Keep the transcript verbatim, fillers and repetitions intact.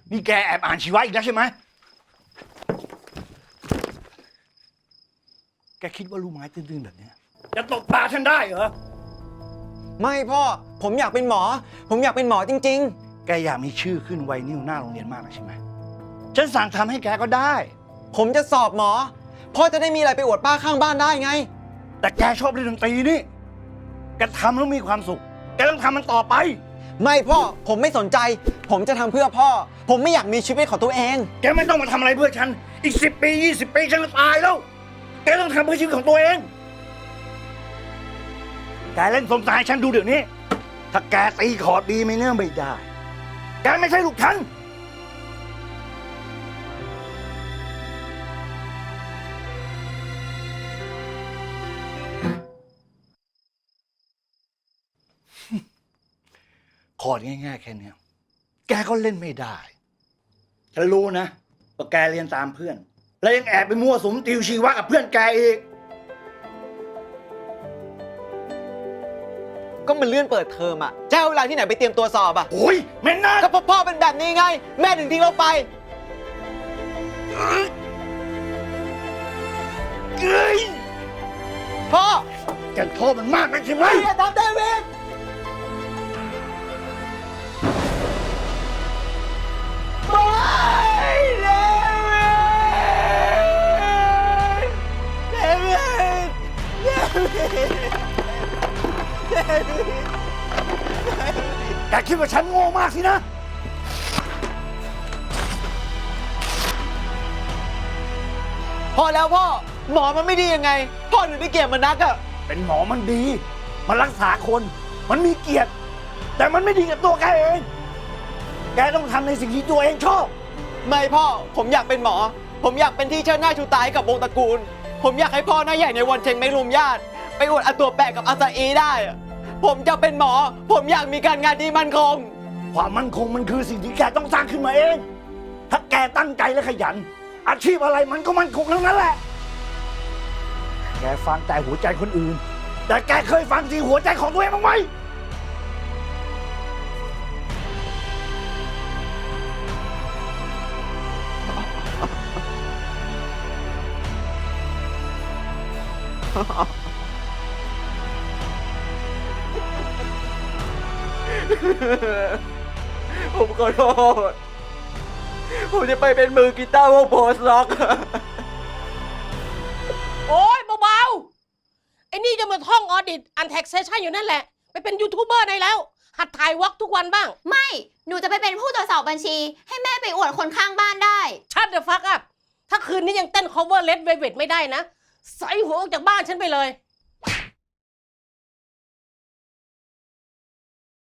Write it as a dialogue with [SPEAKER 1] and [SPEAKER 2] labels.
[SPEAKER 1] นี่แกแอบอ่านชีวะอีกแล้วใช่ไหมแกคิดว่าลูกไม้ตื้นๆแบบนี้จะตบตาฉันได้เหรอ
[SPEAKER 2] ไม่พ่อผมอยากเป็นหมอผมอยากเป็นหมอจริง
[SPEAKER 1] ๆแกอยากมีชื่อขึ้นไวนิวหน้าโรงเรียนมากนะใช่ไหมฉันสั่งทำให้แกก็ได้
[SPEAKER 2] ผมจะสอบหมอพ่อจะได้มีอะไรไปอวดป้าข้างบ้านได้ไง
[SPEAKER 1] แต่แกชอบเล่นดนตรีนี่แกทำแล้วมีความสุขแกต้องทำมันต่อไป
[SPEAKER 2] ไม่พ่อผมไม่สนใจผมจะทำเพื่อพ่อผมไม่อยากมีชีวิตของตัวเอง
[SPEAKER 1] แกไม่ต้องมาทำอะไรเพื่อฉันอีกสิบปียี่สิบปีฉันจะตายแล้วแกต้องทำเพื่อชีวิตของตัวเองแกเล่นสมสายฉันดูเดี๋ยวนี้ถ้าแกตีคอร์ดดีไม่เนื่องไม่ได้แกไม่ใช่ลูกฉันคอร์ดง่ายๆแค่นี้แกก็เล่นไม่ได้ฉันรู้นะว่าแกเรียนตามเพื่อนแล้วยังแอบไปมั่วสุมติวชีวะกับเพื่อนแกอีก
[SPEAKER 2] ก็มันเลื่อนเปิดเทอมอ่ะเจ้าเวลาที่ไหนไปเตรียมตัวสอบอ่ะ
[SPEAKER 1] โอ้ยแม่น่า
[SPEAKER 2] ก็เพราะพ่อเป็นแบบนี้ไงแม่ถึงทิ้งเราไป
[SPEAKER 1] เอ้ย
[SPEAKER 2] พ่อ
[SPEAKER 1] แกโทษมันมากนักใช่ไหม
[SPEAKER 2] อย่าทำเดวิด
[SPEAKER 1] แกคิดว่าฉันโง่มากสินะ
[SPEAKER 2] พอแล้วพ่อหมอมันไม่ดียังไงพ่อถึงได้เกลียดมันนักอะ
[SPEAKER 1] เป็นหมอมันดีมันรักษาคนมันมีเกียรติแต่มันไม่ดีกับตัวแกเองแกต้องทำในสิ่งที่ตัวเองชอบ
[SPEAKER 2] ไม่พ่อผมอยากเป็นหมอผมอยากเป็นที่เชิดหน้าชูตาให้กับวงตระกูลผมอยากให้พ่อหน้าใหญ่ในวันเชงไม่รุมญาติไปอวดอาตัวแปะกับอาซาอีได้ผมจะเป็นหมอผมอยากมีการงานที่มั่นคง
[SPEAKER 1] ความมั่นคงมันคือสิ่งที่แกต้องสร้างขึ้นมาเองถ้าแกตั้งใจและขยันอาชีพอะไรมันก็มั่นคงทั้งนั้นแหละแกฟังแต่หัวใจคนอื่นแต่แกเคยฟังที่หัวใจของตัวเองบ้างไหม
[SPEAKER 2] ผมขอโทษผมจะไปเป็นมือกีตาร์วงโพสล็อก
[SPEAKER 3] โอ๊ยเบาๆไอ้นี่จะมาท่องออดิตอันแท็กเซชั่นอยู่นั่นแหละไปเป็นยูทูบเบอร์ได้แล้วหัดถ่ายวอล์กทุกวันบ้าง
[SPEAKER 4] ไม่หนูจะไปเป็นผู้ตรวจสอบบัญชีให้แม่ไปอวดคนข้างบ้านได้
[SPEAKER 3] ชัดเดอะฟักอัพถ้าคืนนี้ยังเต้น cover Red Velvet ไม่ได้นะใส่หัวออกจากบ้านฉันไปเลย